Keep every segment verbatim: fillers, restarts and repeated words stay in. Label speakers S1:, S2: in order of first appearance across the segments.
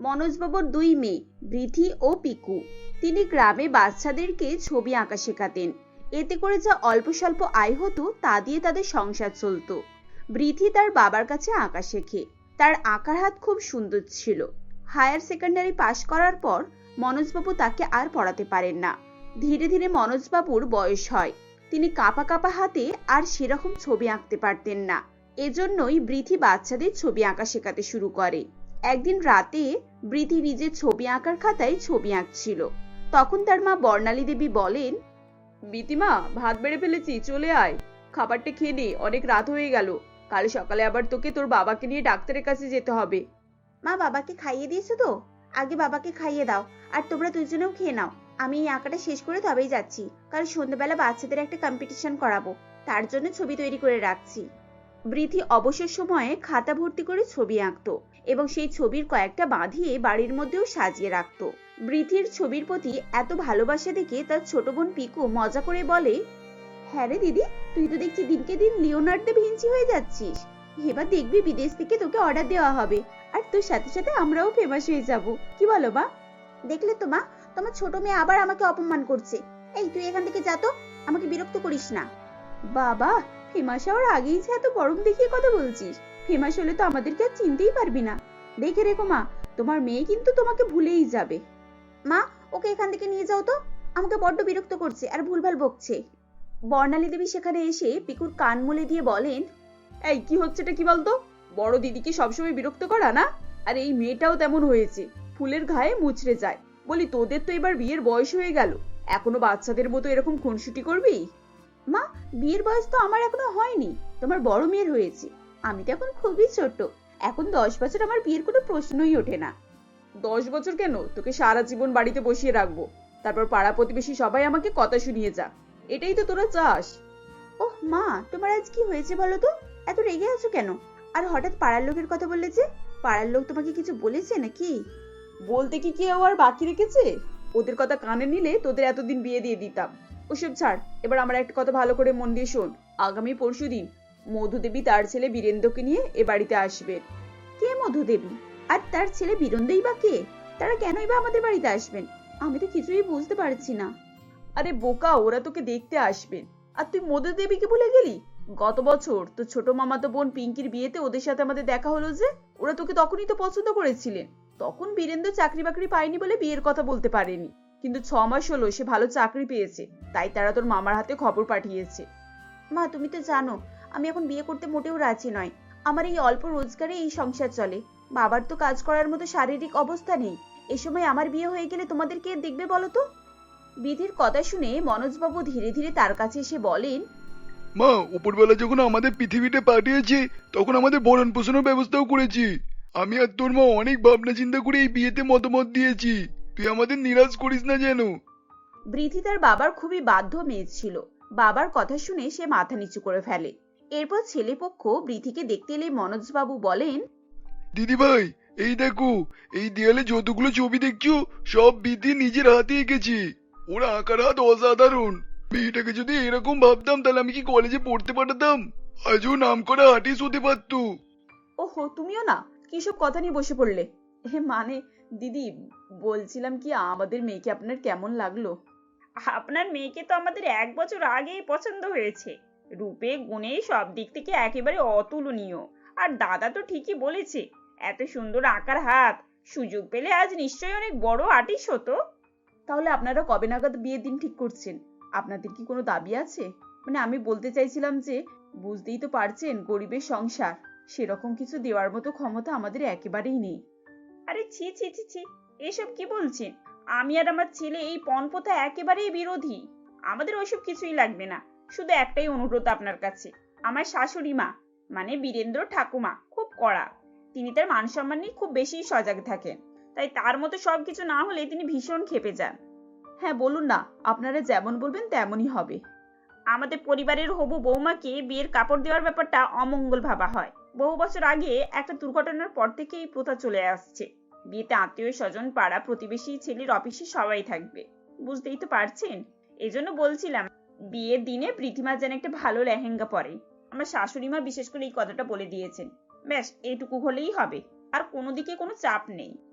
S1: মনোজবাবুর দুই মেয়ে বৃথি ও পিকু। তিনি গ্রামে বাচ্চাদেরকে ছবি আঁকা শেখাতেন। এতে করে যা অল্প স্বল্প আয় হতো তা দিয়ে তাদের সংসার চলত। বৃথি তার বাবার কাছে আঁকা শেখে। তার আঁকার হাত খুব সুন্দর ছিল। হায়ার সেকেন্ডারি পাশ করার পর মনোজবাবু তাকে আর পড়াতে পারেন না। ধীরে ধীরে মনোজবাবুর বয়স হয়। তিনি কাঁপা কাঁপা হাতে আর সেরকম ছবি আঁকতে পারতেন না। এজন্যই বৃথি বাচ্চাদের ছবি আঁকা শেখাতে শুরু করে। একদিন রাতে বৃথি নিজের ছবি আঁকার খাতায় ছবি আঁকছিল। তখন তার মা বর্ণালী দেবী বলেন,
S2: বিতিমা, ভাত বেড়ে ফেলেছি, চলে আয়, খাবারটা খেয়ে নে, অনেক রাত হয়ে গেল। কাল সকালে আবার তোকে তোর বাবাকে নিয়ে ডাক্তারের কাছে যেতে হবে।
S1: মা, বাবাকে খাইয়ে দিয়েছো তো? আগে বাবাকে খাইয়ে দাও, আর তোমরা দুজনেও খেয়ে নাও। আমি এই আঁকাটা শেষ করে তবেই যাচ্ছি। কাল সন্ধ্যাবেলা বাচ্চাদের একটা কম্পিটিশন করাবো, তার জন্য ছবি তৈরি করে রাখছি। বৃথি অবসর সময়ে খাতা ভর্তি করে ছবি আঁকতো এবং সেই ছবির কয়েকটা বাঁধিয়ে বাড়ির মধ্যেও সাজিয়ে রাখতো। বৃথির ছবির প্রতি এত ভালোবাসা দেখে তার ছোট বোন পিকু মজা করে বলে, হ্যাঁ রে দিদি, তুই তো দেখছি দিনকে দিন লিওনার্দো দা ভিঞ্চি হয়ে যাচ্ছিস। এবার দেখবি বিদেশ থেকে তোকে অর্ডার দেওয়া হবে, আর তোর সাথে সাথে আমরাও ফেমাস হয়ে যাব। কি বলো মা? দেখলে তো মা, তোমার ছোট মেয়ে আবার আমাকে অপমান করছে। এই তুই এখান থেকে যা তো, আমাকে বিরক্ত করিস না। বাবা, ফেমাস হওয়ার আগেই যে এত গরম দেখিয়ে কথা বলছিস। ফেমাস হলে তো আমাদেরকে আর চিনতেই পারবি না। দেখে রেখো মা, তোমার মেয়ে কিন্তু তোমাকে ভুলেই যাবে। মা, ওকে এখান থেকে নিয়ে যাও তো, আমাকে বড্ড বিরক্ত করছে আর ভুলভাল বকছে। বর্ণালী দেবী সেখানে এসে পিকুর কান মুলে দিয়ে বলেন,
S2: এই কি হচ্ছেটা কি বলতো? বড় দিদিকে সবসময় বিরক্ত করা না? আর এই মেয়েটাও তেমন হয়েছে, ফুলের ঘায়ে মুচড়ে যায়। বলি, তোদের তো এবার বিয়ের বয়স হয়ে গেল, এখনো বাচ্চাদের মতো এরকম খুনসুটি করবি?
S1: মা, বিয়ের বয়স তো আমার এখনো হয়নি, তোমার বড় মেয়ের হয়েছে। আমি তো এখন খুবই ছোট। এখন দশ বছর আমার বিয়ের কোনো প্রশ্নই ওঠে না।
S2: দশ বছর কেন, তোকে সারা জীবন বাড়িতে বসিয়ে রাখবো, তারপর পাড়া প্রতিবেশী সবাই আমাকে কথা শুনিয়ে যা। এটাই তো তোরা চাস।
S1: ওহ মা, তোমার আজ কি হয়েছে বলো তো? এত রেগে আছো কেন? আর হঠাৎ পাড়ার লোকের কথা বললে যে? পাড়ার লোক তোমাকে কিছু বলেছে নাকি?
S2: বলতে কি কেউ আর বাকি রেখেছে? ওদের কথা কানে নিলে তোদের এতদিন বিয়ে দিয়ে দিতাম। ওসব ছাড়, এবার আমার একটা কথা ভালো করে মন দিয়ে শোন। আগামী পরশুদিন মধুদেবী তার ছেলে বীরেন্দ্রকে নিয়ে এ বাড়িতে আসবেন।
S1: কে মধুদেবী? আর তার ছেলে বীরেন্দ্রই বা কে? তারা কেনই বা আমাদের বাড়িতে আসবেন? আমি তো কিছুই বুঝতে পারছি না।
S2: আরে বোকা, ওরা তোকে দেখতে আসবেন। আর তুই মধুদেবীকে ভুলে গেলি? গত বছর তো ছোট মামাতো বোন পিঙ্কির বিয়েতে ওদের সাথে আমাদের দেখা হলো যে, ওরা তোকে তখনই তো পছন্দ করেছিলেন। তখন বীরেন্দ্র চাকরি বাকরি পায়নি বলে বিয়ের কথা বলতে পারেনি, কিন্তু ছ মাস হলো সে ভালো চাকরি পেয়েছে, তাই তারা তোর মামার হাতে খবর পাঠিয়েছে।
S1: মা, তুমি তো জানো আমি এখন বিয়ে করতে মোটেও রাজি নয়। আমার এই অল্প রোজগারে এই সংসার চলে। বাবার তো কাজ করার মতো শারীরিক অবস্থা নেই। এ সময় আমার বিয়ে হয়ে গেলে তোমাদের কে দেখবে বলো তো? বিধির কথা শুনে মনোজবাবু ধীরে ধীরে তার কাছে এসে বলেন,
S3: মা, উপরবেলা যখন আমাদের পৃথিবীতে পাঠিয়েছে তখন আমাদের ভরণ পোষণের ব্যবস্থাও করেছি। আমি আর তোর মা অনেক ভাবনা চিন্তা করে এই বিয়েতে মতামত দিয়েছি। তুই আমাদের নিরাশ করিস না যেন।
S1: বৃথি তার বাবার খুবই বাধ্য মেয়ে ছিল। বাবার কথা শুনে সে মাথা নিচু করে ফেলে। এরপর ছেলেপক্ষ বৃথিকে দেখতে এলে মনোজবাবু বলেন,
S3: দিদি ভাই, এই দেখো, এই দেয়ালে যতগুলো ছবি দেখছো সব বিধি নিজের হাতে এঁকেছি। ওরা আঁকার হাত অসাধারণ। মেয়েটাকে যদি এরকম ভাবতাম তাহলে আমি কি কলেজে পড়তে পাঠাতাম? আজও নাম করা আর্টিস্ট হতে পারতো।
S2: ওহো, তুমিও না কি সব কথা নিয়ে বসে পড়লে? হে মানে দিদি, বলছিলাম কি, আমাদের মেয়েকে আপনার কেমন লাগলো?
S4: আপনার মেয়েকে তো আমাদের এক বছর আগেই পছন্দ হয়েছে। রূপে গুণে সব দিক থেকে একেবারে অতুলনীয়। আর দাদা তো ঠিকই বলেছে, এত সুন্দর আঁকার হাত, সুযোগ পেলে আজ নিশ্চয়ই অনেক বড় আর্টিস্ট হতো।
S2: তাহলে আপনারা কবে নাগাদ বিয়ের দিন ঠিক করছেন? আপনাদের কি কোনো দাবি আছে? মানে আমি বলতে চাইছিলাম যে, বুঝতেই তো পারছেন গরিবের সংসার, সেরকম কিছু দেওয়ার মতো ক্ষমতা আমাদের একেবারেই নেই।
S4: আরে ছি ছি ছি ছি, এসব কি বলছেন? আমি আর আমার ছেলে এই পণপ্রথা একেবারেই বিরোধী। আমাদের ওইসব কিছুই লাগবে না। শুধু একটাই অনুরোধ আপনার কাছে। আমার শাশুড়ি মা, মানে বীরেন্দ্র ঠাকুমা, খুব কড়া। তিনি তার মান সম্মান নিয়ে খুব বেশি সজাগ থাকেন। তাই তার মতো সবকিছু না হলে তিনি ভীষণ ক্ষেপে যান।
S2: হ্যাঁ বলুন না, আপনারা যেমন বলবেন তেমনই হবে।
S4: আমাদের পরিবারের হবু বৌমাকে বিয়ের কাপড় দেওয়ার ব্যাপারটা অমঙ্গল ভাবা হয়। বহু বছর আগে একটা দুর্ঘটনার পর থেকে এই প্রথা চলে আসছে। বিয়েতে আত্মীয় স্বজন, পাড়া প্রতিবেশী, ছেলের অফিসে সবাই থাকবে। বুঝতেই তো পারছেন। এজন্য বলছিলাম, বিয়ের দিনে প্রীতিমা যেন একটা ভালো লেহেঙ্গা পরে। আমার শাশুড়ি মা বিশেষ করে এই কথাটা বলে দিয়েছেন। ব্যাস এইটুকু হলেই হবে, আর কোনো দিকে কোনো চাপ নেই।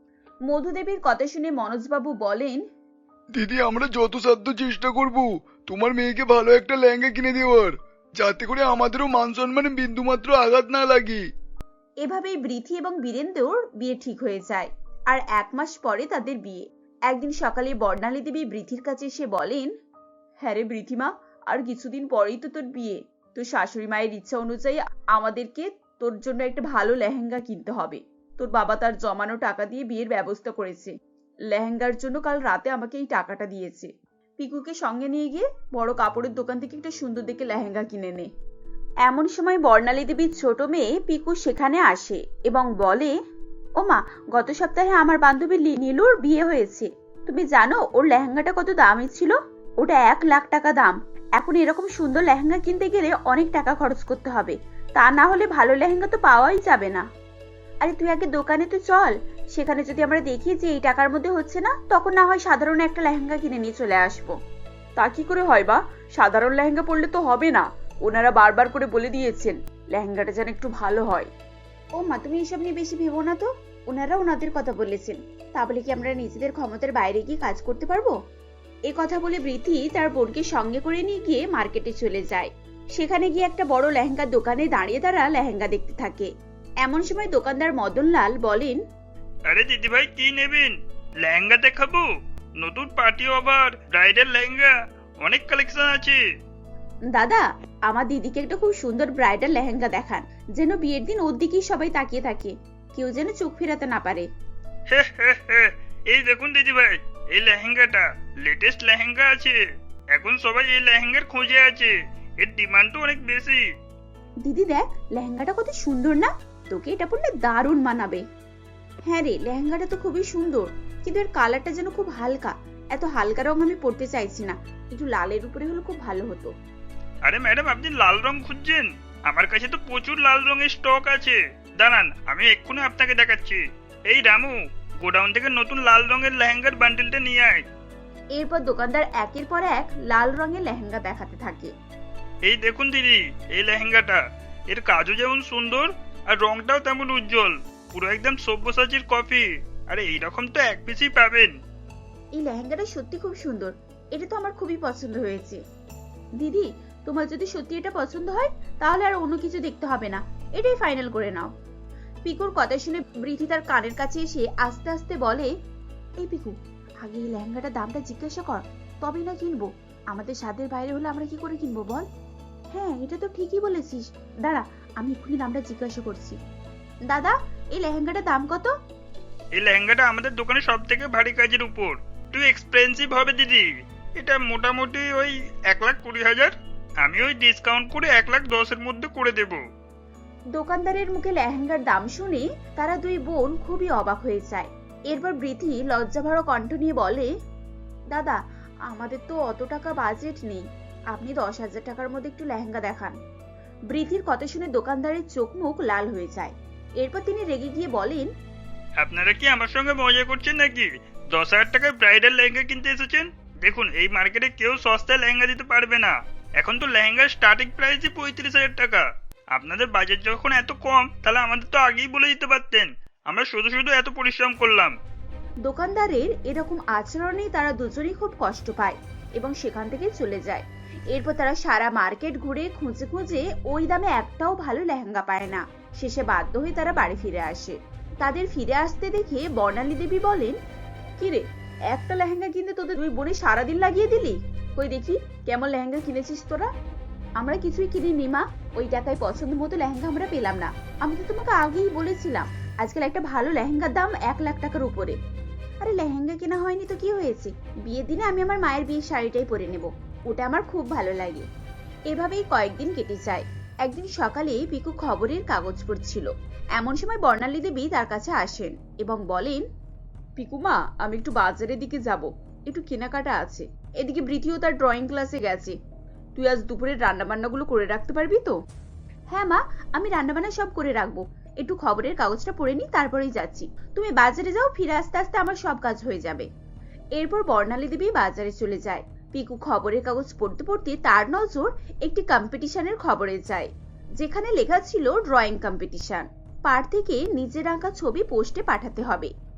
S2: মধুদেবীর কথা শুনে মনোজবাবু বলেন,
S3: দিদি আমরা যত সাধ্য চেষ্টা করব তোমার মেয়েকে ভালো একটা লেহেঙ্গা কিনে দেওয়ার, যাতে করে আমাদেরও মান সম্মানে বিন্দুমাত্র আঘাত না লাগে।
S2: এভাবেই বৃথি এবং বীরেন্দ্রর বিয়ে ঠিক হয়ে যায়। আর এক মাস পরে তাদের বিয়ে। একদিন সকালে বর্ণালী দেবী বৃথির কাছে এসে বলেন, হ্যাঁ রে বৃথিমা, আর কিছুদিন পরেই তো তোর বিয়ে। তোর শাশুড়ি মায়ের ইচ্ছা অনুযায়ী আমাদেরকে তোর জন্য একটা ভালো লেহেঙ্গা কিনতে হবে। তোর বাবা তার জমানো টাকা দিয়ে বিয়ের ব্যবস্থা করেছে। লেহেঙ্গার জন্য কাল রাতে আমাকে এই টাকাটা দিয়েছে। পিকুকে সঙ্গে নিয়ে গিয়ে বড় কাপড়ের দোকান থেকে একটা সুন্দর দেখে লেহেঙ্গা কিনে নে। এমন সময় বর্ণালী দেবীর ছোট মেয়ে পিকু সেখানে আসে এবং বলে, ও মা, গত সপ্তাহে আমার বান্ধবী নীলুর বিয়ে হয়েছে। তুমি জানো ওর লেহেঙ্গাটা কত দামি ছিল? ওটা এক লাখ টাকা দাম। এখন এরকম সুন্দর লেহেঙ্গা কিনতে গেলে অনেক টাকা খরচ করতে হবে, তা না হলে ভালো লেহেঙ্গা তো পাওয়াই যাবে না। আরে তুই আগে দোকানে তো চল, সেখানে যদি আমরা দেখি যে এই টাকার মধ্যে হচ্ছে না, তখন না হয় সাধারণ একটা লেহেঙ্গা কিনে নিয়ে চলে আসবো। তা কি করে হয় বা? সাধারণ লেহেঙ্গা পরলে তো হবে না। ওনারা বারবার করে বলে দিয়েছেন লেহেঙ্গাটা যেন একটু ভালো হয়।
S1: ও মা, তুমি এসব নিয়ে বেশি ভেবো না তো। ওনারা ওনাদের কথা বলেছেন, তা বলে কি আমরা নিজেদের ক্ষমতার বাইরে গিয়ে কাজ করতে পারবো? এ কথা বলে বৃথি তার বোনকে সঙ্গে করে নিয়ে গিয়ে মার্কেটে চলে যায়। সেখানে গিয়ে একটা বড় লেহেঙ্গার দোকানে দাঁড়িয়ে তারা লেহেঙ্গা দেখতে থাকে। এমন সময় দোকানদার মদনলাল বলেন,
S5: আরে দিদি ভাই কি নেবেন? লেহেঙ্গা দেখাবো? নতুন পার্টি ওভার ব্রাইডাল লেহেঙ্গা, অনেক কালেকশন আছে।
S1: দাদা, আমার দিদিকে একটা খুব সুন্দর ব্রাইডাল লেহেঙ্গা দেখান, যেন বিয়ের দিন ওর দিকেই সবাই তাকিয়ে থাকে, কেউ যেন চোখ ফেরাতে না পারে।
S5: হে হে হে, এই দেখুন দিদি ভাই, এই লেহেঙ্গাটা লেটেস্ট লেহেঙ্গা আছে। এখন সবাই এই লেহেঙ্গার খোঁজে আছে, এর ডিমান্ডও অনেক বেশি।
S1: দিদি দেখ, লেহেঙ্গাটা কত সুন্দর না? তোকে এটা পরলে দারুণ মানাবে। হ্যাঁ রে, লেহেঙ্গাটা তো খুবই সুন্দর, কিন্তু এর কালারটা যেন খুব হালকা। এত হালকা রং আমি পরতে চাইছি না, একটু লালের উপরে হলে খুব ভালো হতো।
S5: আরে ম্যাডাম, আপনি লাল রং খুঁজছেন? আমার কাছে তো প্রচুর লাল রঙের স্টক আছে। দাঁড়ান, আমি এক্ষুনি আপনাকে দেখাচ্ছি। এই রামু, গোডাউন থেকে নতুন লাল রঙের লেহেঙ্গার বান্ডেলটা নিয়ে আয়।
S1: এরপর দোকানদার একের পর এক লাল রঙের লেহেঙ্গা দেখাতে থাকে।
S5: এই দেখুন দিদি, এই লেহেঙ্গাটা, এর কাজও যেমন সুন্দর আর রংটাও তেমন উজ্জ্বল, পুরো একদম সব্যসাচীর কপি। আরে এইরকম তো এক পিসই পাবেন।
S1: এই লেহেঙ্গাটা সত্যি খুব সুন্দর, এটা তো আমার খুবই পছন্দ হয়েছে। দিদি, তোমার যদি সত্যি এটা পছন্দ হয় তাহলে আর অন্য কিছু দেখতে হবে না, এটাই ফাইনাল করে নাও। পিকুর কথা শুনে বৃথি তার কানের কাছে এসে আস্তে আস্তে বলে, এই পিকু, আগে এই লেহেঙ্গাটার দামটা জিজ্ঞাসা কর, তবেই না কিনবো। আমাদের সাধ্যের বাইরে হলে আমরা কি করে কিনবো বল? হ্যাঁ, এটা তো ঠিকই বলেছিস, দাঁড়া আমি এক্ষুনি দামটা জিজ্ঞাসা করছি। দাদা, এই লেহেঙ্গাটার দাম কত?
S5: এই লেহেঙ্গাটা আমাদের দোকানে সব থেকে ভারী কাজের উপর, একটু এক্সপেন্সিভ হবে দিদি। এটা মোটামুটি ওই এক লাখ কুড়ি হাজার। আমি ওই ডিসকাউন্ট করে এক লাখ দশের মধ্যে করে দেব।
S1: দোকানদারের মুখে লেহেঙ্গার দাম শুনে তারা দুই বোন খুবই অবাক হয়ে যায়। এরপর বৃথি লজ্জাভরা কণ্ঠ নিয়ে বলে, দাদা, আমাদের তো অত টাকা বাজেট নেই, আপনি দশ হাজার টাকার মধ্যে একটু লেহেঙ্গা দেখান। বৃথির কথা শুনে দোকানদারের চোখ মুখ লাল হয়ে যায়। এরপর তিনি রেগে গিয়ে বলেন,
S5: আপনারা কি আমার সঙ্গে মজা করছেন নাকি? দশ হাজার টাকায় ব্রাইডাল লেহেঙ্গা কিনতে এসেছেন? দেখুন, এই মার্কেটে কেউ সস্তায় লেহেঙ্গা দিতে পারবে না। এখন তো লেহেঙ্গার স্টার্টিং প্রাইসই পঁয়ত্রিশ হাজার টাকা। আপনাদের বাজেট যখন এত কম, তাহলে আমাদের তো আগেই বলে দিতে পারতেন, আমরা শুধু শুধু এত পরিশ্রম করলাম।
S1: দোকানদারের এরকম আচরণেই তারা দুজনেই খুব কষ্ট পায় এবং সেখান থেকে চলে যায়। এরপর তারা সারা মার্কেট ঘুরে খুঁজে খুঁজে ওই দামে একটাও ভালো লেহেঙ্গা পায় না। শেষে বাধ্য হয়ে তারা বাড়ি ফিরে আসে। তাদের ফিরে আসতে দেখে বর্ণালী দেবী বলেন, কিরে, একটা লেহেঙ্গা কিনতে তোদের দুই বোনে সারাদিন লাগিয়ে দিলি? কই দেখি কেমন লেহেঙ্গা কিনেছিস তোরা? আমরা কিছুই কিনিনি মা, ওই টাকায় পছন্দ মতো লেহেঙ্গা আমরা পেলাম না। আমি তো তোমাকে আগেই বলেছিলাম আজকাল একটা ভালো লেহেঙ্গার দাম এক লাখ টাকার উপরে। আরে লেহেঙ্গা কেনা হয়নি তো কি হয়েছে, বিয়ের দিনে আমি আমার মায়ের বিয়ের শাড়িটাই পরে নেব, ওটা আমার খুব ভালো লাগে। এভাবেই কয়েকদিন কেটে যায়। একদিন সকালে পিকু খবরের কাগজ পড়ছিল। এমন সময় বর্ণালী দেবী তার কাছে আসেন এবং বলেন,
S2: পিকুমা, আমি একটু বাজারের দিকে যাব, একটু কেনাকাটা আছে। এদিকে বৃথিও তার ড্রয়িং ক্লাসে গেছে। তুই আজ দুপুরের রান্না বান্নাগুলো করে রাখতে পারবি তো?
S1: হ্যাঁ মা, আমি রান্নাবান্না সব করে রাখবো, একটু খবরের কাগজটা পড়ে নি, তারপরেই যাচ্ছি। তুমি বাজারে যাও, ফিরে আসতে আসতে আমার সব কাজ হয়ে যাবে। এরপর বর্ণালী দেবী বাজারে চলে যায়। পিকু খবরের কাগজ পড়তে পড়তে তার নজর একটি কম্পিটিশনের খবরে যায়, যেখানে লেখা ছিল ড্রয়িং কম্পিটিশন। পার থেকে নিজের আঁকা ছবি পোস্টে পাঠাতে হবে।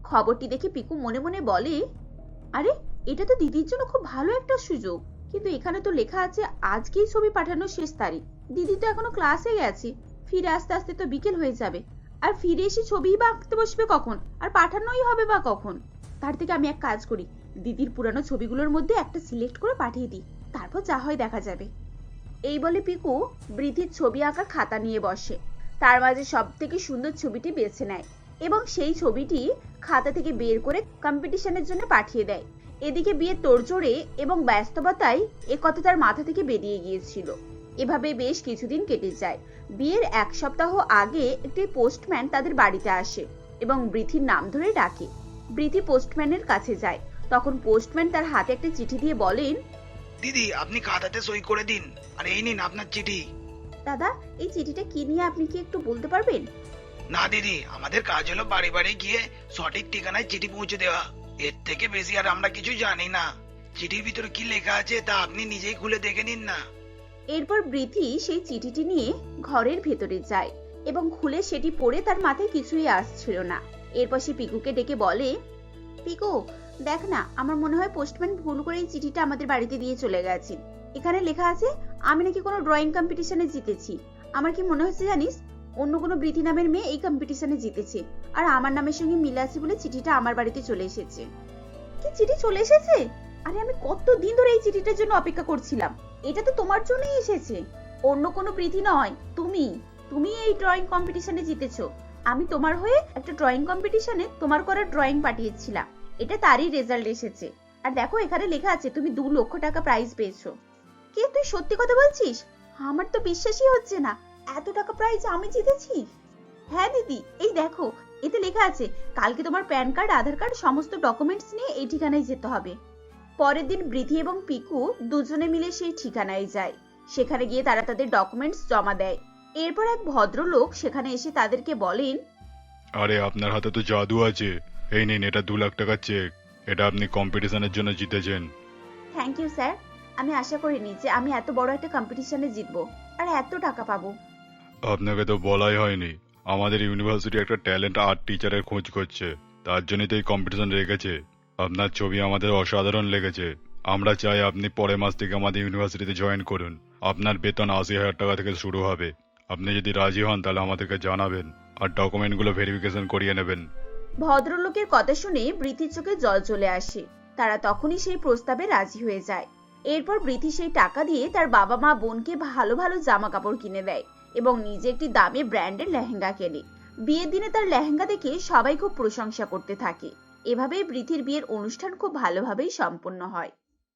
S1: খবরটি দেখে পিকু মনে মনে বলে, আরে এটা তো দিদির জন্য খুব ভালো একটা সুযোগ, কিন্তু এখানে তো লেখা আছে আজকেই ছবি পাঠানোর শেষ তারিখ। দিদি তো এখনো ক্লাসে গেছে, ফিরে আসতে আসতে তো বিকেল হয়ে যাবে, আর ফিরে এসে ছবিই বা আঁকতে বসবে কখন, আর পাঠানোই হবে বা কখন। তার থেকে আমি এক কাজ করি, দিদির পুরানো ছবিগুলোর মধ্যে একটা সিলেক্ট করে পাঠিয়ে দিই, তারপর যা হয় দেখা যাবে। এই বলে পিকু বৃদ্ধির ছবি আঁকার খাতা নিয়ে বসে, তার মাঝে সব থেকে সুন্দর ছবিটি বেছে নেয় এবং সেই ছবিটি খাতা থেকে বের করে কম্পিটিশনের জন্য পাঠিয়ে দেয়। এদিকে বিয়ের তোড়জোড়ে এবং ব্যস্ততায় এ কথা তার মাথা থেকে বেরিয়ে গিয়েছিল। এভাবে বেশ কিছুদিন কেটে যায়। বিয়ের এক সপ্তাহ আগে একটি পোস্টম্যান তাদের বাড়িতে আসে এবং বৃথির নাম ধরে ডাকে। বৃথি পোস্টম্যানের কাছে যায়, তখন পোস্টম্যান তার হাতে একটা চিঠি দিয়ে বলেন,
S3: দিদি আপনি খাতাতে সই করে দিন, আর এই নিন আপনার চিঠি।
S1: দাদা এই চিঠিটা কি নিয়ে আপনি কি একটু বলতে পারবেন?
S3: না দিদি, আমাদের কাজ হলো বাড়ি বাড়ি গিয়ে সঠিক ঠিকানায় চিঠি পৌঁছে দেওয়া, এর থেকে বেশি আর আমরা কিছু জানি না। চিঠির ভিতরে কি লেখা আছে তা আপনি নিজেই খুলে দেখে নিন না।
S1: এরপর বৃথি সেই চিঠিটি নিয়ে ঘরের ভেতরে যায় এবং খুলে সেটি পড়ে তার মাথায় কিছুই আসছিল না। এরপর সে পিকুকে ডেকে বলে, পিকু দেখ না, আমার মনে হয় পোস্টম্যান ভুল করে এই চিঠিটা আমাদের বাড়িতে দিয়ে চলে গেছে। এখানে লেখা আছে আমি নাকি কোনো ড্রয়িং কম্পিটিশনে জিতেছি। আমার কি মনে হচ্ছে জানিস, অন্য কোনো বৃথি নামের মেয়ে এই কম্পিটিশনে জিতেছে, আর আমার নামের সঙ্গে মিল আছে বলে চিঠিটা আমার বাড়িতে চলে এসেছে। কি চিঠি চলে এসেছে? আরে আমি কত দিন ধরে এই চিঠিটার জন্য অপেক্ষা করছিলাম। এটা তো তোমার জন্যই এসেছে, অন্য কোনো বৃথি নয়, তুমি তুমি এই ড্রয়িং কম্পিটিশনে জিতেছো। আমি তোমার হয়ে একটা ড্রয়িং কম্পিটিশনে তোমার করা ড্রয়িং পাঠিয়েছিলাম, এটা তারই রেজাল্ট এসেছে। আর দেখো এখানে লেখা আছে তুমি দু লক্ষ টাকা প্রাইজ পেয়েছো। কে তুই সত্যি কথা বলছিস? আমার তো বিশ্বাসই হচ্ছে না, এত টাকা প্রাইজ আমি জিতেছি। হ্যাঁ দিদি, এই দেখো এতে লেখা আছে কালকে তোমার প্যান কার্ড, আধার কার্ড সমস্ত ডকুমেন্টস নিয়ে এই ঠিকানায় যেতে হবে। পরের দিন বৃথি এবং পিকু দুজনে মিলে সেই ঠিকানায় যায়। সেখানে গিয়ে তারা তাদের ডকুমেন্টস জমা দেয়। এরপর এক ভদ্রলোক সেখানে এসে তাদেরকে বলেন,
S6: আরে আপনার হাতে তো জাদু আছে, এই নিন এটা দু লাখ টাকার চেক, এটা আপনি কম্পিটিশনের জন্য জিতেছেন।
S1: থ্যাংক ইউ স্যার, আমি আশা করিনি যে আমি এত বড় একটা কম্পিটিশনে জিতবো আর এত টাকা পাবো।
S6: আপনাকে তো বলাই হয়নি, আমাদের ইউনিভার্সিটি একটা ট্যালেন্ট আর্ট টিচারের খোঁজ করছে, তার জন্যই তো এই কম্পিটিশন রেখেছে। আপনার ছবি আমাদের অসাধারণ লেগেছে, আমরা চাই আপনি পরের মাস থেকে আমাদের ইউনিভার্সিটিতে জয়েন করুন। আপনার বেতন আশি হাজার টাকা থেকে শুরু হবে। আপনি যদি রাজি হন তাহলে আমাদেরকে জানাবেন, আর ডকুমেন্টগুলো ভেরিফিকেশন করিয়ে নেবেন।
S1: ভদ্রলোকের কথা শুনে বৃথির চোখে জল চলে আসে। তারা তখনই সেই প্রস্তাবে রাজি হয়ে যায়। এরপর বৃথি সেই টাকা দিয়ে তার বাবা মা বোনকে ভালো ভালো জামা কাপড় কিনে দেয় এবং নিজে একটি দামি ব্র্যান্ডের লেহেঙ্গা কেনে। বিয়ের দিনে তার লেহেঙ্গা দেখে সবাই খুব প্রশংসা করতে থাকে। এভাবেই বৃথির বিয়ের অনুষ্ঠান খুব ভালোভাবেই সম্পন্ন হয়।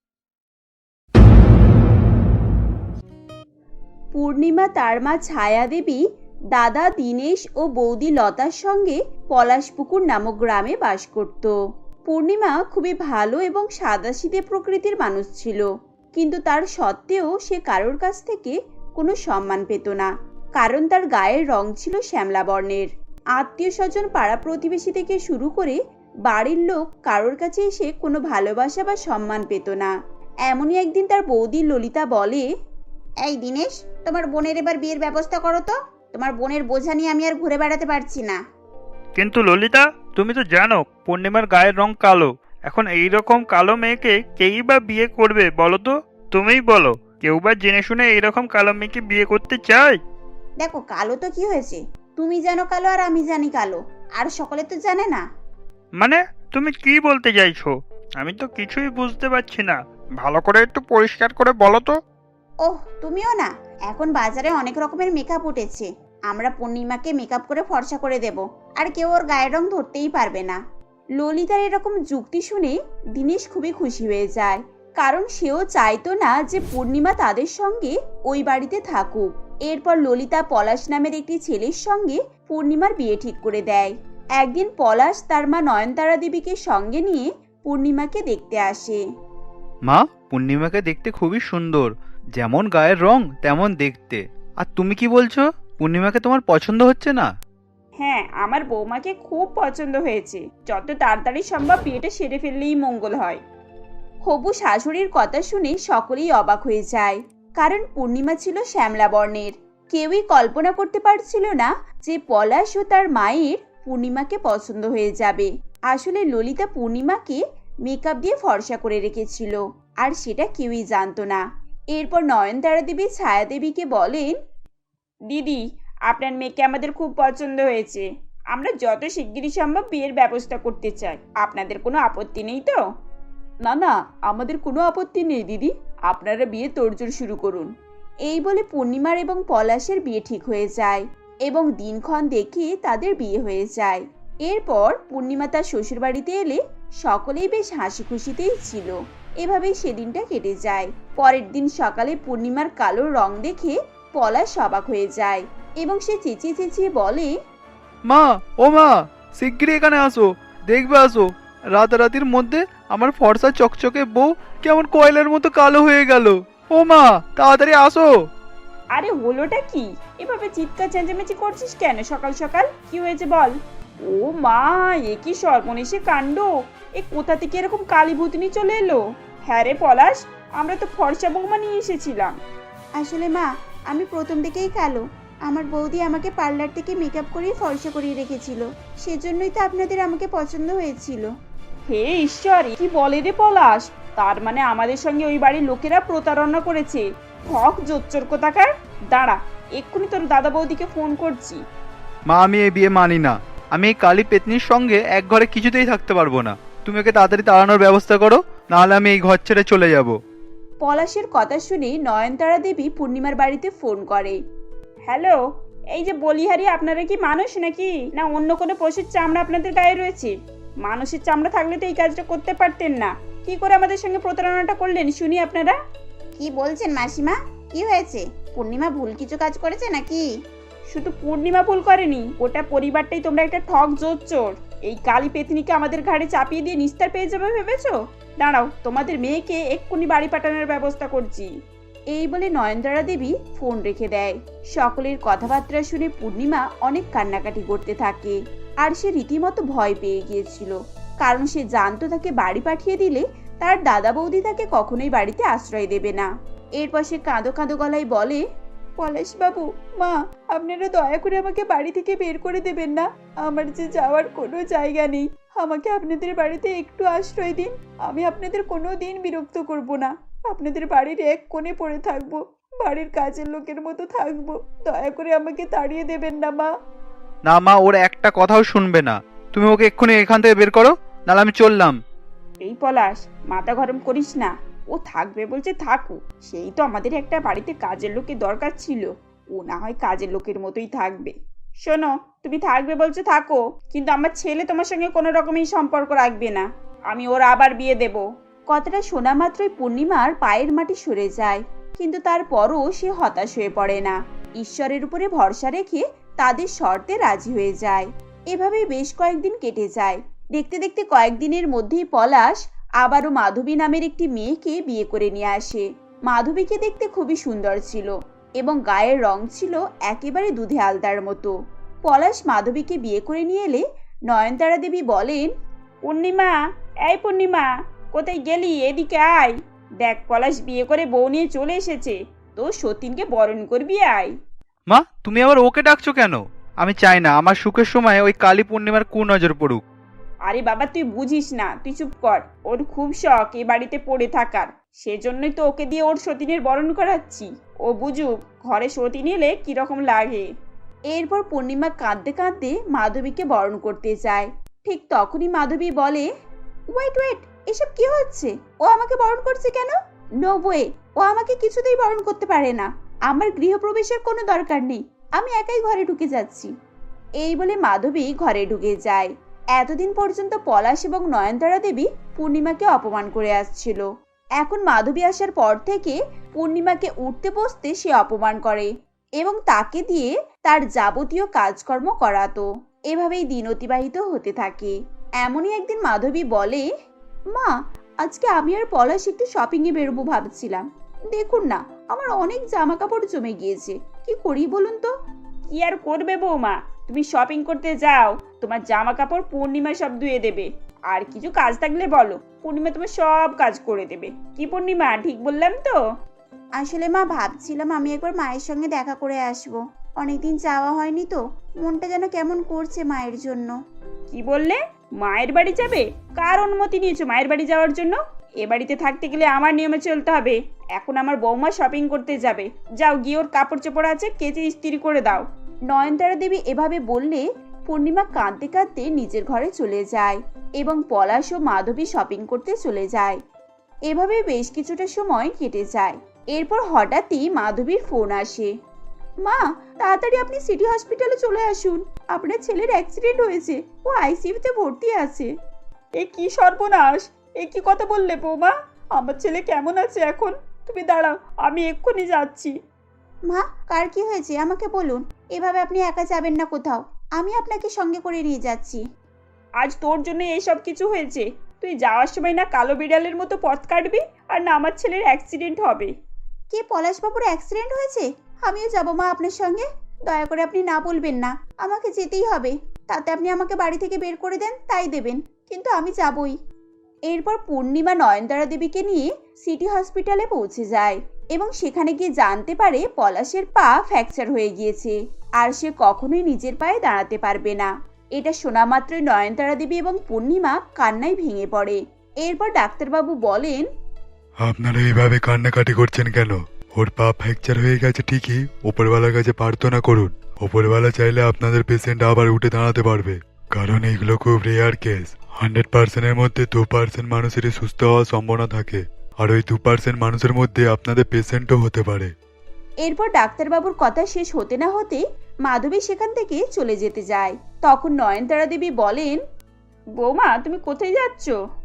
S1: পূর্ণিমা তার মা ছায়া দেবী, দাদা দীনেশ ও বৌদি লতার সঙ্গে পলাশপুকুর নামক গ্রামে বাস করত। পূর্ণিমা খুবই ভালো এবং সাদাসিধে প্রকৃতির মানুষ ছিল, কিন্তু তার সত্ত্বেও সে কারোর কাছ থেকে কোনো সম্মান পেত না, কারণ তার গায়ের রং ছিল শ্যামলা বর্ণের। আত্মীয় স্বজন, পাড়া প্রতিবেশী থেকে শুরু করে বাড়ির লোক কারোর কাছে এসে কোনো ভালোবাসা বা সম্মান পেত না। এমনই একদিন তার বৌদি ললিতা বলে, এই দীনেশ, তোমার বোনের এবার বিয়ের ব্যবস্থা করো তো, তোমার বোনের বোঝা নিয়ে আমি আর ঘুরে বেড়াতে পারছি না।
S5: কিন্তু ললিতা, তুমি তো জানো পূর্ণিমার গায়ের রং কালো। এখন এই রকম কালো মেয়েকে কেই বা বিয়ে করবে বলো তো? তুমিই বলো, কেউ বা জেনে শুনে এইরকম কালো মেয়েকে বিয়ে করতে চায়?
S1: দেখো কালো তো কি হয়েছে, তুমি জানো কালো আর আমি জানি কালো, আর সকলে তো জানে না।
S5: মানে তুমি কি বলতে চাইছো? আমি তো কিছুই বুঝতে পারছি না, ভালো করে একটু পরিষ্কার করে বলো তো।
S1: ওহ, তুমিও না, এখন বাজারে অনেক রকমের মেকআপ উঠেছে, আমরা পূর্ণিমাকে মেকআপ করে ফর্সা করে দেব, আর কেউ ওর গায়ের রং ধরতেই পারবে না। ললিতার এরকম যুক্তি শুনে দীনেশ খুবই খুশি হয়ে যায়, কারণ সেও চাইতো না যে পূর্ণিমা তাদের সঙ্গে ওই বাড়িতে থাকুক। এরপর ললিতা পলাশ নামের একটি ছেলের সঙ্গে পূর্ণিমার বিয়ে ঠিক করে দেয়। একদিন পলাশ তার মা নয়নতারা দেবীকে সঙ্গে নিয়ে পূর্ণিমাকে দেখতে আসে।
S7: মা, পূর্ণিমাকে দেখতে খুবই সুন্দর, যেমন গায়ের রং তেমন দেখতে। আর তুমি কি বলছো, পূর্ণিমাকে তোমার পছন্দ হচ্ছে না?
S4: হ্যাঁ, আমার বৌমাকে খুব পছন্দ হয়েছে, যত তাড়াতাড়ি সম্ভব বিয়েটা সেরে ফেললেই মঙ্গল হয়।
S1: হবু শাশুড়ির কথা শুনে সকলেই অবাক হয়ে যায়, কারণ পূর্ণিমা ছিল শ্যামলা বর্ণের। কেউই কল্পনা করতে পারছিল না যে পলাশ ও তার মায়ের পূর্ণিমাকে পছন্দ হয়ে যাবে। আসলে ললিতা পূর্ণিমাকে মেকআপ দিয়ে ফর্সা করে রেখেছিল, আর সেটা কেউই জানতো না। এরপর নয়নতারা দেবী ছায়া দেবীকে বলেন,
S4: দিদি, আপনার মেয়েকে আমাদের খুব পছন্দ হয়েছে। আমরা যত শিগগিরই সম্ভব বিয়ের ব্যবস্থা করতে চাই। আপনাদের কোনো আপত্তি নেই তো?
S2: না না, আমাদের কোনো আপত্তি নেই দিদি, আপনারা বিয়ে তোড়জোড় শুরু করুন।
S1: এই বলে পূর্ণিমার এবং পলাশের বিয়ে ঠিক হয়ে যায় এবং দিনক্ষণ দেখে তাদের বিয়ে হয়ে যায়। এরপর পূর্ণিমা তার শ্বশুর বাড়িতে এলে সকলেই বেশ হাসি খুশিতেই ছিল। এভাবেই সেদিনটা কেটে যায়। পরের দিন সকালে পূর্ণিমার কালো রং দেখে পলাশ অবাক হয়ে যায় এবং সে চেঁচিয়ে চেঁচিয়ে বলে,
S7: মা, ও মা, শিগগিরই এখানে আসো, দেখবে আসো, রাতারাতির মধ্যে আমার ফর্সা চকচকে বউ কেমন কয়লার মতো কালো হয়ে গেল। ও মা, তাড়াতাড়ি আসো।
S4: আরে হলোটা কি? এভাবে চিৎকার চেঁচামেচি করছিস কেন সকাল সকাল? কি হয়েছে বল? ও মা, এ কি সর্বনেশে কাণ্ড! এ কোথা থেকে এরকম কালী ভূতনি চলে এলো? হ্যাঁ রে পলাশ, আমরা তো ফর্সা বৌমা নিয়ে এসেছিলাম।
S1: আসলে মা, আমি প্রথম থেকেই কালো। আমার বৌদি আমাকে পার্লার থেকে মেকআপ করিয়ে ফর্সা করিয়ে রেখেছিল, সেজন্যই তো আপনাদের আমাকে পছন্দ হয়েছিল।
S4: হে ঈশ্বর, কি বলে রে পলাশ! তার মানে আমাদের সঙ্গে ওই বাড়ির লোকেরা প্রতারণা করেছে। ঠক জোচ্চোর কোথাকার! দাঁড়া, এক্ষুনি তোর দাদা বৌদিকে ফোন করছি।
S7: মা, আমি এই বিয়ে মানি না। আমি এই কালী পেতনির সঙ্গে এক ঘরে কিছুতেই থাকতে পারবো না। তুমি ওকে তাড়াতাড়ি তাড়ানোর ব্যবস্থা করো, নাহলে আমি এই ঘর ছেড়ে চলে যাব।
S1: পলাশের কথা শুনে নয়নতারা দেবী পূর্ণিমার বাড়িতে ফোন করে।
S4: হ্যালো, এই যে বলিহারি, আপনারা কি মানুষ নাকি, না অন্য কোনো পশুর চামড়া আপনাদের গায়ে রয়েছে? মানুষের চামড়া থাকলে তো এই কাজটা করতে পারতেন না। কি করে আমাদের সঙ্গে প্রতারণাটা করলেন শুনি আপনারা?
S1: কি বলছেন মাসিমা? কি হয়েছে? পূর্ণিমা ভুল কিছু কাজ করেছে নাকি?
S4: শুধু পূর্ণিমা ভুল করেনি, ওটা পরিবারটাই তোমরা একটা ঠক জোচ্চোর। এই কালী পেতনিকে আমাদের ঘাড়ে চাপিয়ে দিয়ে নিস্তার পেয়ে যাবে ভেবেছো? দাঁড়াও, তোমাদের মেয়েকে এক্ষুনি বাড়ি পাঠানোর ব্যবস্থা করছি।
S1: এই বলে নয়নতারা দেবী ফোন রেখে দেয়। সকলের কথাবার্তা শুনে পূর্ণিমা অনেক কান্নাকাটি করতে থাকে, আর সে রীতিমতো ভয় পেয়ে গিয়েছিল, কারণ সে জানতো তাকে বাড়ি পাঠিয়ে দিলে তার দাদা বৌদি তাকে কখনোই বাড়িতে আশ্রয় দেবে না। এরপর সে কাঁদো কাঁদো গলায় বলে,
S2: পলাশ বাবু, মা, আপনারা দয়া করে আমাকে বাড়ি থেকে বের করে দেবেন না। আমার যে যাওয়ার কোনো জায়গা নেই, আমাকে আপনাদের বাড়িতে একটু আশ্রয় দিন। আমি আপনাদের কোনো দিন বিরক্ত করব না। আপনাদের বাড়ির এক কোণে পড়ে থাকবো, বাড়ির কাজের লোকের মতো থাকবো। দয়া করে আমাকে তাড়িয়ে দেবেন না মা।
S7: না মা, ওর একটা কথাও শুনবে না। তুমি ওকে এক্ষুনি এখান থেকে বের করো, নাহলে আমি চললাম।
S4: এই পলাশ, মাথা গরম করিস না। ও থাকবে বলছে থাকুক, সেই তো আমাদের একটা বাড়িতে কাজের লোকের দরকার ছিল। ও না হয় কাজের লোকের মতোই থাকবে। শোনো, তুমি থাকবে বলছো থাকো, কিন্তু আমার ছেলে তোমার সঙ্গে কোনো রকমই সম্পর্ক রাখবে না। আমি ওর আবার বিয়ে দেব।
S1: কথাটা শোনা মাত্রই পূর্ণিমার পায়ের মাটি সরে যায়, কিন্তু তারপরও সে হতাশ হয়ে পড়ে না। ঈশ্বরের উপরে ভরসা রেখে তাদের শর্তে রাজি হয়ে যায়। এভাবেই বেশ কয়েকদিন কেটে যায়। দেখতে দেখতে কয়েকদিনের মধ্যেই পলাশ আবারও মাধবী নামের একটি মেয়েকে বিয়ে করে নিয়ে আসে। মাধবীকে দেখতে খুবই সুন্দর ছিল এবং গায়ের রং ছিল একেবারে দুধে আলতার মতো। পলাশ মাধবীকে বিয়ে করে নিয়ে এলে নয়নতারা দেবী বলেন,
S4: পূর্ণিমা, এই পূর্ণিমা, কোথায় গেলি? এদিকে আয়। দেখ, পলাশ বিয়ে করে বউ নিয়ে চলে এসেছে। তো সতীনকে বরণ করবি, আয়।
S7: মা, তুমি আবার ওকে ডাকছো কেন? আমি চাই না আমার সুখের সময় ওই কালী পূর্ণিমার কুনজর পড়ুক।
S4: আরে বাবা, তুই বুঝিস না, তুই চুপ কর। ওর খুব শখ এ বাড়িতে পড়ে থাকার, সেজন্যই তো ওকে দিয়ে ওর সতীনের বরণ করাচ্ছি। ও বুঝুক ঘরে সতীন এলে কিরকম লাগে।
S1: এরপর পূর্ণিমা কাঁদতে কাঁদতে মাধবীকে বরণ করতে যায়। ঠিক তখনই মাধবী বলে, ওয়েট ওয়েট, এসব কি হচ্ছে? ও আমাকে বরণ করছে কেন? নো ওয়ে, ও আমাকে কিছুতেই বরণ করতে পারে না। আমার গৃহপ্রবেশের কোনো দরকার নেই, আমি একাই ঘরে ঢুকে যাচ্ছি। এই বলে মাধবী ঘরে ঢুকে যায়। এতদিন পর্যন্ত পলাশ এবং নয়নতারা দেবী পূর্ণিমাকে অপমান করে আসছিল। এখন মাধবী আসার পর থেকে পূর্ণিমাকে উঠতে বসতে সে অপমান করে এবং তাকে দিয়ে তার যাবতীয় কাজকর্ম করাতো। এভাবেই দিন অতিবাহিত হতে থাকে। এমনই একদিন মাধবী বলে, মা, আজকে আমি আর পলাশ একটু শপিং এ বেরোবো ভাবছিলাম। দেখুন না, আমার অনেক জামা কাপড় জমে গিয়েছে, কি করি বলুন তো?
S4: কি আর করবে বৌমা, তুমি শপিং করতে যাও, তোমার জামা কাপড় পূর্ণিমা সব ধুয়ে দেবে। আর কিছু কাজ থাকলে বলো, পূর্ণিমা তোমার সব কাজ করে দেবে। কি পূর্ণিমা, ঠিক বললাম তো?
S1: আসলে মা, ভাবছিলাম আমি একবার মায়ের সঙ্গে দেখা করে আসবো। অনেকদিন যাওয়া হয়নি তো, মনটা যেন কেমন করছে মায়ের জন্য।
S4: কি বললে? মায়ের বাড়ি যাবে? কার অনুমতি নিয়েছো মায়ের বাড়ি যাওয়ার জন্য? এ বাড়িতে থাকতে গেলে আমার নিয়মে চলতে হবে। এখন আমার বৌমা শপিং করতে যাবে, যাও গিয়ে ওর কাপড় চোপড় আছে কেচে ইস্ত্রি করে দাও।
S1: নয়নতারা দেবী এভাবে বললে পূর্ণিমা কাঁদতে কাঁদতে নিজের ঘরে চলে যায় এবং পলাশ ও মাধবী শপিং করতে চলে যায়। এভাবে বেশ কিছুটা সময় কেটে যায়। এরপর হঠাৎই মাধবীর ফোন আসে। মা, তাড়াতাড়ি আপনি সিটি হসপিটালে চলে আসুন, আপনার ছেলের অ্যাক্সিডেন্ট হয়েছে, ও আইসিইউতে ভর্তি আছে।
S4: এ কি সর্বনাশ! এ কি কথা বললে বৌমা? আমার ছেলে কেমন আছে এখন? তুমি দাঁড়াও, আমি এক্ষুনি যাচ্ছি।
S1: মা, কার কি হয়েছে আমাকে বলুন, এভাবে আপনি একা যাবেন না কোথাও, আমি আপনাকে সঙ্গে করে নিয়ে যাচ্ছি।
S4: আজ তোর জন্য এইসব কিছু হয়েছে। তুই যাওয়ার সময় না কালো বিড়ালের মতো পথ কাটবি, আর না আমার ছেলের অ্যাক্সিডেন্ট হবে।
S1: কে পলাশবাবুর অ্যাক্সিডেন্ট হয়েছে? আমিও যাবো মা আপনার সঙ্গে। দয়া করে আপনি না বলবেন না, আমাকে যেতেই হবে। তাতে আপনি আমাকে বাড়ি থেকে বের করে দেন তাই দেবেন, কিন্তু আমি যাবই। এরপর পূর্ণিমা নয়নতারা দেবীকে নিয়ে সিটি হসপিটালে পৌঁছে যায় এবং সেখানে গিয়ে জানতে পারে পলাশের পা ফ্র্যাকচার হয়ে গিয়েছে আর সে কখনোই নিজের পায়ে দাঁড়াতে পারবে না। এটা শোনা মাত্রই নয়নতারা দেবী এবং পূর্ণিমা কান্নায় ভেঙে পড়ে। এরপর ডাক্তারবাবু বলেন,
S6: আপনারা এইভাবে কান্নাকাটি করছেন কেন? ওর পা ফ্র্যাকচার হয়ে গেছে ঠিকই, ওপরওয়ালার কাছে প্রার্থনা করুন। ওপরওয়ালা চাইলে আপনাদের পেশেন্ট আবার উঠে দাঁড়াতে পারবে, কারণ এইগুলো খুব রেয়ার কেস। হান্ড্রেড পার্সেন্টের মধ্যে দু পার্সেন্ট মানুষেরই সুস্থ হওয়ার সম্ভাবনা থাকে, আর ওই দু পার্সেন্ট মানুষের মধ্যে আপনাদের পেশেন্টও হতে পারে।
S1: এরপর ডাক্তারবাবুর কথা শেষ হতে না হতে মাধবী সেখান থেকে চলে যেতে যায়। তখন নয়নতারা দেবী বলেন,
S4: বৌমা, তুমি কোথায় যাচ্ছ?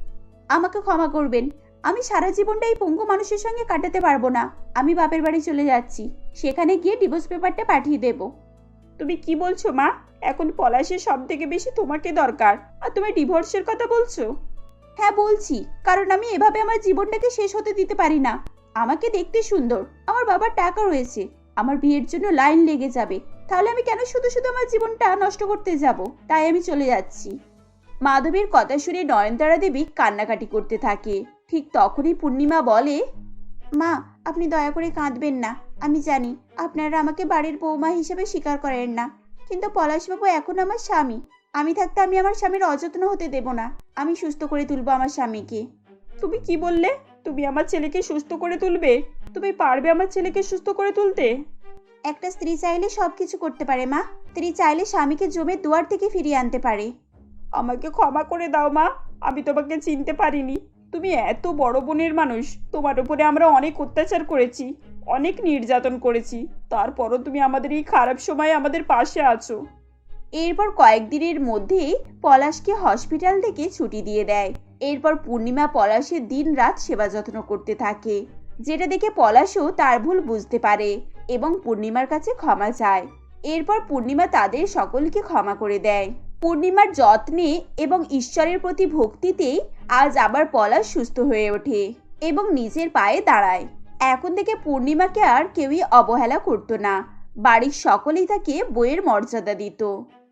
S1: আমাকে ক্ষমা করবেন, আমি সারা জীবনটা এই পঙ্গু মানুষের সঙ্গে কাটাতে পারবো না। আমি বাপের বাড়ি চলে যাচ্ছি, সেখানে গিয়ে ডিভোর্স পেপারটা পাঠিয়ে দেব।
S4: তুমি কি বলছো মা? এখন পলাশের সব থেকে বেশি তোমাকে দরকার, আর তুমি ডিভোর্সের কথা বলছো?
S1: হ্যাঁ বলছি, কারণ আমি এভাবে আমার জীবনটাকে শেষ হতে দিতে পারি না। আমাকে দেখতে সুন্দর, আমার বাবার টাকা রয়েছে, আমার বিয়ের জন্য লাইন লেগে যাবে, তাহলে আমি কেন শুধু শুধু আমার জীবনটা নষ্ট করতে যাব? তাই আমি চলে যাচ্ছি। মাধবীর কথা শুনে নয়নতারা দেবী কান্নাকাটি করতে থাকে। ঠিক তখনই পূর্ণিমা বলে, মা, আপনি দয়া করে কাঁদবেন না। আমি জানি আপনারা আমাকে বাড়ির বৌমা হিসেবে স্বীকার করেন না, কিন্তু পলাশবাবু এখন আমার স্বামী। আমি থাকতে আমি আমার স্বামীর অযত্ন হতে দেব না। আমি সুস্থ করে তুলবো আমার স্বামীকে।
S4: তুমি কি বললে? তুমি আমার ছেলেকে সুস্থ করে তুলবে? তুমি পারবে আমার ছেলেকে সুস্থ করে তুলতে?
S1: একটা স্ত্রী চাইলে সবকিছু করতে পারে মা। স্ত্রী চাইলে স্বামীকে জমের দুয়ার থেকে ফিরিয়ে আনতে পারে।
S4: আমাকে ক্ষমা করে দাও মা, আমি তোমাকে চিনতে পারিনি। তুমি এত বড় বোনের মানুষ, তোমার উপরে আমরা অনেক অত্যাচার করেছি, অনেক নির্যাতন করেছি, তারপরও তুমি আমাদের এই খারাপ সময়ে আমাদের পাশে আছো।
S1: এরপর কয়েকদিনের মধ্যেই পলাশকে হসপিটাল থেকে ছুটি দিয়ে দেয়। এরপর পূর্ণিমা পলাশের দিন রাত সেবা যত্ন করতে থাকে, যেটা দেখে পলাশও তার ভুল বুঝতে পারে এবং পূর্ণিমার কাছে ক্ষমা চায়। এরপর পূর্ণিমা তাদের সকলকে ক্ষমা করে দেয়। পূর্ণিমার যত্নে এবং ঈশ্বরের প্রতি ভক্তিতেই আজ আবার পলাশ সুস্থ হয়ে ওঠে এবং নিজের পায়ে দাঁড়ায়। এখন থেকে পূর্ণিমাকে আর কেউই অবহেলা করতো না, বাড়ির সকলেই তাকে বইয়ের মর্যাদা দিত।